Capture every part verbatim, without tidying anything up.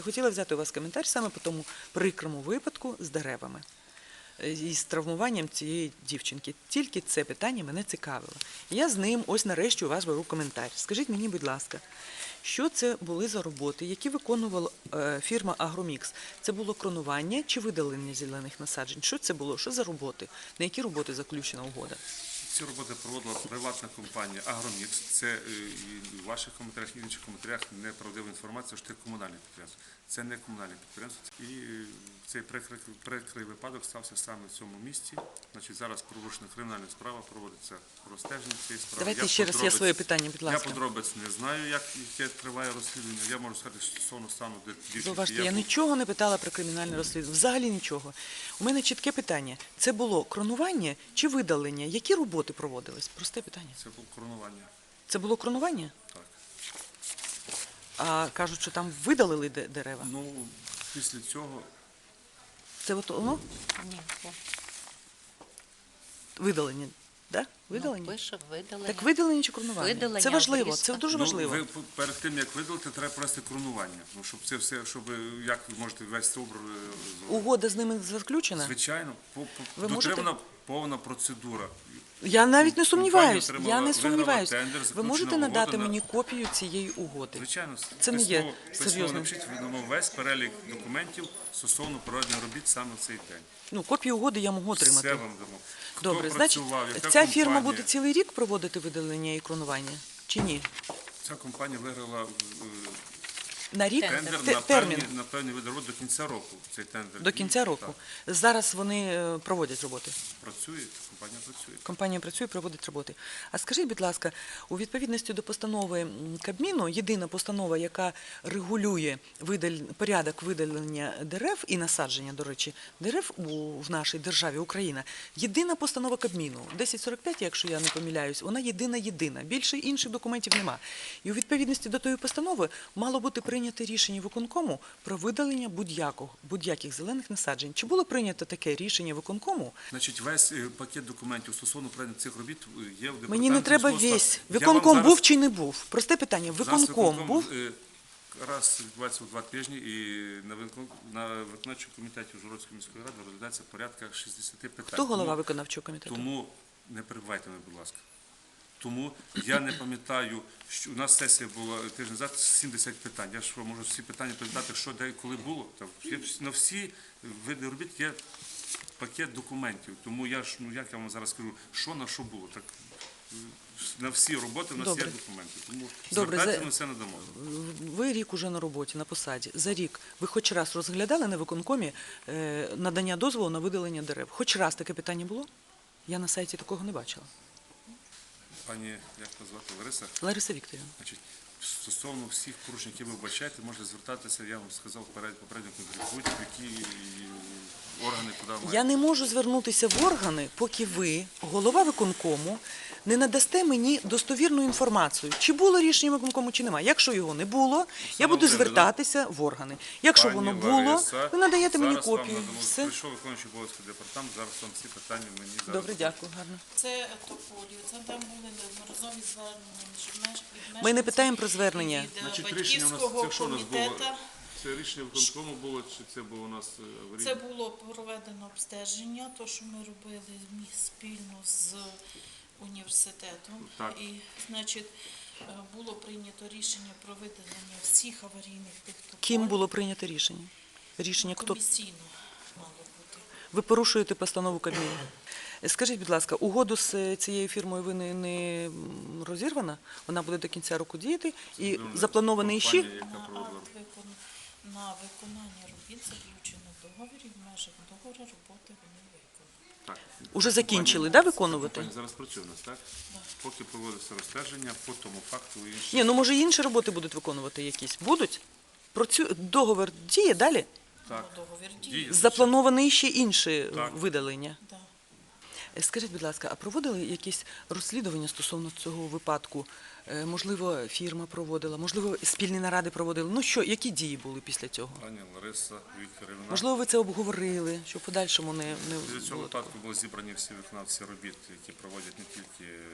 Хотіла взяти у вас коментар саме по тому прикрому випадку з деревами і з травмуванням цієї дівчинки. Тільки це питання мене цікавило. Я з ним ось нарешті у вас беру коментар. Скажіть мені, будь ласка, що це були за роботи, які виконувала фірма «Агромікс»? Це було кронування чи видалення зелених насаджень? Що це було? Що за роботи? На які роботи заключена угода? Ці роботи проводила приватна компанія «Агромікс». Це і в ваших коментарях, і в інших коментарях неправдива інформація, що це комунальне підприємство. Це не комунальне підприємство. І цей прикрий, прикрий випадок стався саме в цьому місці. Значить, зараз порушена кримінальна справа, проводиться розстеження цієї справи. Давайте я ще раз я своє питання, будь ласка. Я подробиць не знаю, як яке триває розслідування. Я можу сказати, що стосовно стану дівчинки. Зауважте, я нічого не питала про кримінальне розслідування. Взагалі нічого. У мене чітке питання. Це було кронування чи видалення? Які роботи проводились? Просте питання. Це було кронування. Це було кронування? Так. А кажуть, що там видалили дерева? Ну, після цього... Це от воно? Ні, Видалення, так? Видалення? Ну, пише видалення. Так видалення чи кронування? Видалення, Це важливо, обрізка. це дуже Ну, важливо. ви перед тим, як видалити, треба провести кронування. Ну, щоб це все, щоб, як ви можете весь цей образ... Угода з ними заключена? Звичайно, по, по, Ви дотримана можете- повна процедура. Я навіть не сумніваюсь, Компанія я не отримала- сумніваюсь. виграла тендер, Ви заключена можете надати угода на- мені копію цієї угоди? Звичайно, Це не є письмово- письмово серйозним. напишіть, видамо весь перелік документів стосовно проведення робіт саме в цей день. Ну, копію угоди я можу Все отримати. вам дамо. Хто Добре, значить, працював, яка ця фірма компанія? буде цілий рік проводити видалення і кронування? Чи ні? Ця компанія виграла е, На рік? тендер Те- на термін? певні, на певні види робіт до кінця року. Цей тендер. До кінця І, року. так, Зараз вони е, проводять роботи. працює, компанія працює. Компанія працює, проводить роботи. А скажіть, будь ласка, у відповідності до постанови м, Кабміну, єдина постанова, яка регулює видаль... порядок видалення дерев і насадження, до речі, дерев у... в нашій державі Україна, єдина постанова Кабміну, десять сорок п'ять, якщо я не помиляюсь, вона єдина-єдина. Більше інших документів нема. І у відповідності до тої постанови мало бути прийнято рішення виконкому про видалення будь-якого, будь-яких зелених насаджень. Чи було прийнято таке рішення виконкому? Значить, весь е, пакет документів стосовно проведення цих робіт є в департаменті. Мені не треба міського весь. ста- Я вам Виконком зараз- був чи не був? Просте питання. зараз Виконком був? е, Раз відбувається у два тижні, і на викон- на виконавчому комітеті Ужгородської міської ради розглядається порядка шістдесят питань. Хто голова Тому- виконавчого комітету? Тому не перебивайте мене, будь ласка. Тому я не пам'ятаю, що у нас сесія була тиждень назад, сімдесят питань. Я ж вам можу всі питання передати, що де і коли було. Там є вс- на всі види робіт є пакет документів. Тому я ж, ну як я вам зараз скажу, що на що було. Так е, на всі роботи в нас Добре. є документи. Тому Добре, звертайтеся, за- ми все надамо. Ви рік уже на роботі, на посаді. За рік ви хоч раз розглядали на виконкомі е, надання дозволу на видалення дерев? Хоч раз таке питання було? Я на сайті такого не бачила. Пані, як назвати, Лариса? Лариса Вікторівна. Значить, стосовно всіх порушень, які ви вбачаєте, можете звертатися, я вам сказав попередньо, попередньо які органи туди мають. Я не можу звернутися в органи, поки ви, голова виконкому, не надасте мені достовірну інформацію, чи було рішення виконкому, чи немає. Якщо його не було, я буду Володимирівна, звертатися в органи. Якщо Пані воно було, Лариса, ви надаєте мені зараз вам копію. надамо. Все. Прийшов виконуючий обов'язки департамент, зараз вам всі питання мені зараз. Добре, дякую, гарно. Це тополі, це там були неодноразові звернення між меж- від Ми не мешканців питаємо про звернення. від, е, Значить, рішення у нас, батьківського це що у нас було? комітету. Це рішення виконкому було, чи це було у нас е, аварійне? Це було проведено обстеження, то, що ми робили мі- спільно з університетом. Так. І, значить, е, було прийнято рішення про видалення всіх аварійних тих тополь. Ким було прийнято рішення? Рішення хто? Комісійно мало бути. Ви порушуєте постанову Кабміну. Скажіть, будь ласка, угоду з цією фірмою ви не, не м, розірвана? Вона буде до кінця року діяти і Це запланований компанія, ще? яка На проводила. акт викон- на виконання робіт заключено договір, і в межах договору роботи вони виконані. Так. Уже закінчили, Компанія- да, виконувати? Компанія зараз працює у нас, так? Поки проводиться розстеження по тому факту і інші. Ні, ну може інші роботи будуть виконувати якісь? Будуть? Про цю договір діє далі? Так. Ну, договір Діє. діє. Заплановані ще інші Так. видалення? Да. Скажіть, будь ласка, а проводили якісь розслідування стосовно цього випадку? Е, Можливо, фірма проводила, можливо, спільні наради проводили. Ну що, які дії були після цього? Пані Лариса Вікторівна. Можливо, ви це обговорили, що в подальшому не, не Для цього було випадку були зібрані всі виконавці робіт, які проводять не тільки е,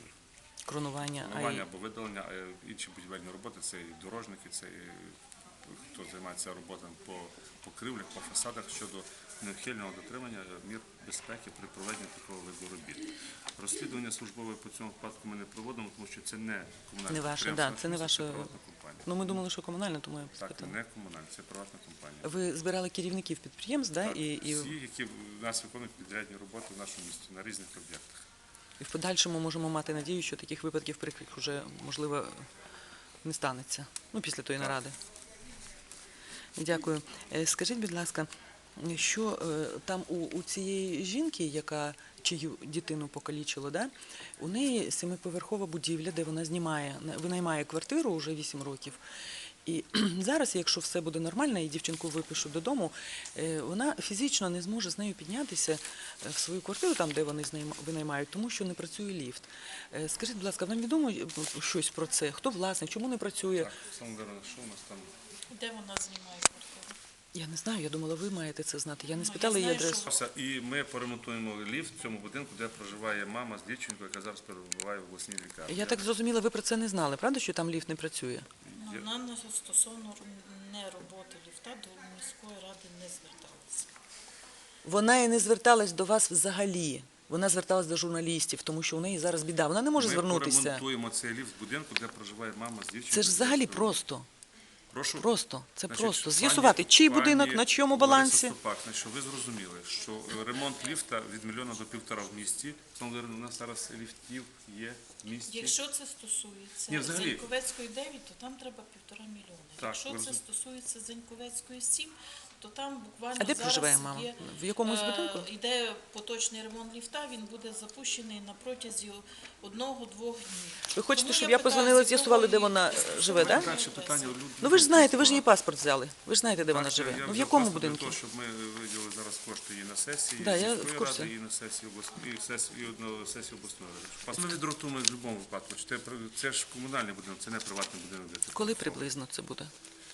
кронування, а й планування або видалення, а й інші будівельні роботи, це і дорожники, це і хто займається роботами по покривлях, по фасадах щодо неухильного дотримання мір безпеки при проведенні такого виду робіт. Розслідування службове по цьому випадку ми не проводимо, тому що це не комунальне Не ваше, підприємство, да, це не ваше. приватна компанія. Ну, ми думали, що комунальне, тому я Так, спитала. не комунальне, це приватна компанія. Ви збирали керівників підприємств, да? Так, і, і, всі, які в нас виконують підрядні роботи в нашому місті на різних об'єктах. і в подальшому можемо мати надію, що таких випадків прикрих вже, можливо, не станеться. Ну, після тої Так. наради. Дякую. Е, Скажіть, будь ласка, що е, там у, у цієї жінки, яка чию дитину покалічило, да? У неї семиповерхова будівля, де вона знімає, винаймає квартиру вже вісім років. І зараз, якщо все буде нормально, і дівчинку випишуть додому, е, вона фізично не зможе з нею піднятися е, в свою квартиру, там, де вони знайма- винаймають, тому що не працює ліфт. Е, Скажіть, будь ласка, вам відомо е, щось про це? Хто власник, чому не працює? Так, Олександр, що у нас там? Де вона знімає квартиру? Я не знаю, я думала, ви маєте це знати. Я не Ну, спитала я її знаю, адресу. що- І ми поремонтуємо ліфт в цьому будинку, де проживає мама з дівчинкою, яка зараз перебуває в обласній лікарні. Я так зрозуміла, ви про це не знали, правда, що там ліфт не працює? Ну, вона не- стосовно ру- не роботи ліфта до міської ради не зверталася. Вона і не зверталась до вас взагалі. Вона зверталась до журналістів, тому що у неї зараз біда. Вона не може Ми звернутися. поремонтуємо цей ліфт в будинку, де проживає мама з дівчинкою. Це ж взагалі просто. Прошу. Просто. Це Значить, просто. пані- З'ясувати, чий пані будинок, на чому Лариса балансі. Ступак, значить, ви зрозуміли, що ремонт ліфта від мільйона до півтора в місті. Олександр, у нас зараз ліфтів є в місті. Якщо це стосується Ні, взагалі. Заньковецької дев'ять, то там треба півтора мільйона. Так, Якщо ви це розум- стосується Заньковецької сім, то там буквально А де зараз проживає мама? є, В якомусь е, будинку? Йде поточний ремонт ліфта, він буде запущений на протязі одного-двох днів. Ви хочете, Тому щоб я я питаю, позвонила, з з'ясували, де якого вона її е, живе, так? Далі питання. Люд- Ну ви ж знаєте, ви ж її Людмила. паспорт взяли. Ви ж знаєте, де вона Так, живе. я Ну в взяв якому паспорт для будинку? того, щоб ми виділили зараз кошти її на сесії, Да, я сільської в курсі. ради, і на сесії обласної, і сесії, і одного сесії обласної ради. Паспорт ми відротуємо в будь-якому випадку. Чи Це, при- це ж комунальний будинок, це не приватний будинок. де це Коли працює. приблизно це буде?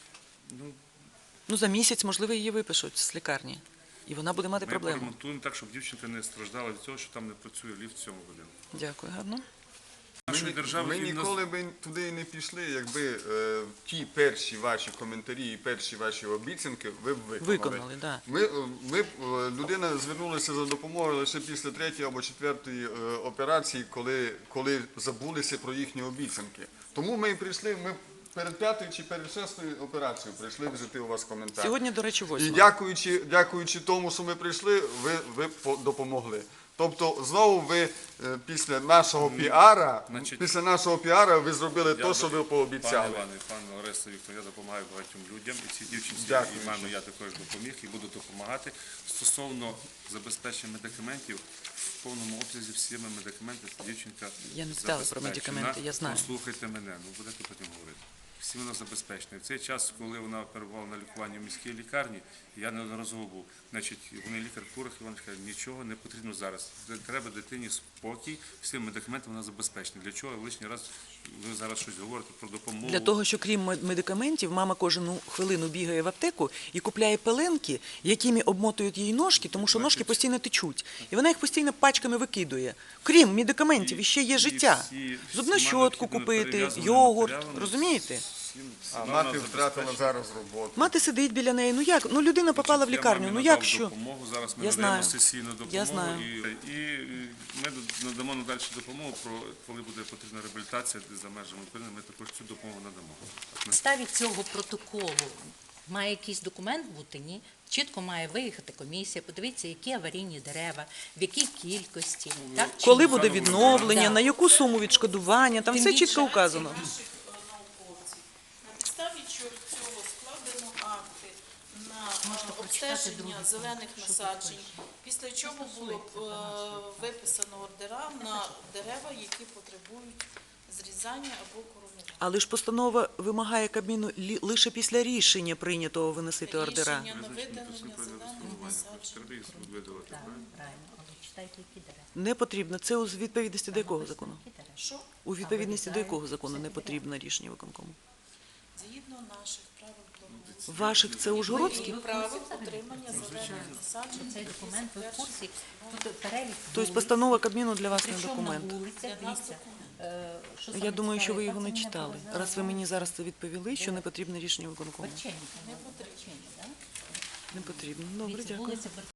Ну, Ну за місяць, можливо, її випишуть з лікарні. І вона буде мати ми проблему. поремонтуємо так, щоб дівчинка не страждала від того, що там не працює ліфт в цьому будинку. Дякую, гарно. Нашої держави Ми і в нас- ніколи б туди і не пішли, якби е, ті перші ваші коментарі і перші ваші обіцянки ви б виконали. Виконали, да. Ми, е, ми б, е, людина звернулася за допомогою лише після третьої або четвертої е, операції, коли, коли забулися про їхні обіцянки. Тому ми і прийшли, ми перед п'ятою чи перед шестою операцією прийшли взяти у вас коментар. Сьогодні, до речі, І восьма. дякуючи, дякуючи тому, що ми прийшли, ви, ви по- допомогли. Тобто знову ви е, після нашого піара, Значить, після нашого піара ви зробили те, що ви Пане пообіцяли. Іване, пане Лариса Віктор, я допомагаю багатьом людям, і цій дівчинці, Дякую. і мамі я також допоміг, і буду допомагати. Стосовно забезпечення медикаментів, в повному обсязі всіми медикаментами дівчинка Я не питала про забезпечена. медикаменти, я знаю. Послухайте мене, ну будете потім говорити. Всі вона забезпечена. В цей час, коли вона перебувала на лікуванні в міській лікарні, я неодноразово був. Значить, вони лікар Курах, Іван каже, нічого не потрібно зараз. Треба дитині спокій, всім медикаментами вона забезпечена. Для чого лишній раз ви зараз щось говорите про допомогу? Для того, що крім мед- медикаментів, мама кожну хвилину бігає в аптеку і купляє пеленки, якими обмотують їй ножки, тому що ножки постійно течуть. І вона їх постійно пачками викидує. Крім медикаментів, іще є І життя. всі- Зубну всіма щотку необхідними купити, перев'язаними йогурт, матеріалами розумієте? всім- А всіма мати вона втратила забезпечена. зараз роботу. Мати сидить біля неї. Ну як? Ну людина попала в Я лікарню. мамі Ну надав як що? допомогу. Зараз ми Я надаємо знаю. сесійну допомогу. Я знаю. І, і ми надамо надалі допомогу, про коли буде потрібна реабілітація за межами України, ми також цю допомогу надамо. Так, На підставі цього протоколу має якийсь документ бути, ні? Чітко має виїхати комісія, подивитися, які аварійні дерева, в якій кількості. Так, чи Коли ні? буде відновлення, Да. на яку суму відшкодування, там Тим все більше- чітко вказано. Наших е, науковців. На підставі чого- цього складено акти на е, обстеження зелених насаджень, після чого було б, е, виписано ордера на дерева, які потребують зрізання або коронування. Але ж постанова вимагає Кабміну лі- лише після рішення прийнятого виносити ордера. Рішення на видалення зелених насаджень. Треба їх видалити. Так, правильно, але читайте, які дерева. Не потрібно. Це у відповідності до якого закону? Які дерева? Що? У відповідності до якого закону не потрібно рішення виконкому? Згідно наших правил благоустрою. Ваших це Ужгородських? Правил утримання зелених насаджень. Цей документ ви в курсі, тут перелік Тобто вулиць, постанова Кабміну для вас не причому на документ. вулицях, Для нас дивіться, документ. е, що Я саме думаю, що ви цікаве, його не яка це читали. була Раз ви мені зараз це відповіли, що не потрібне рішення виконкому. Борченка. Не потрібно. Не потрібно. Добре, Дивіться, дякую. вулиця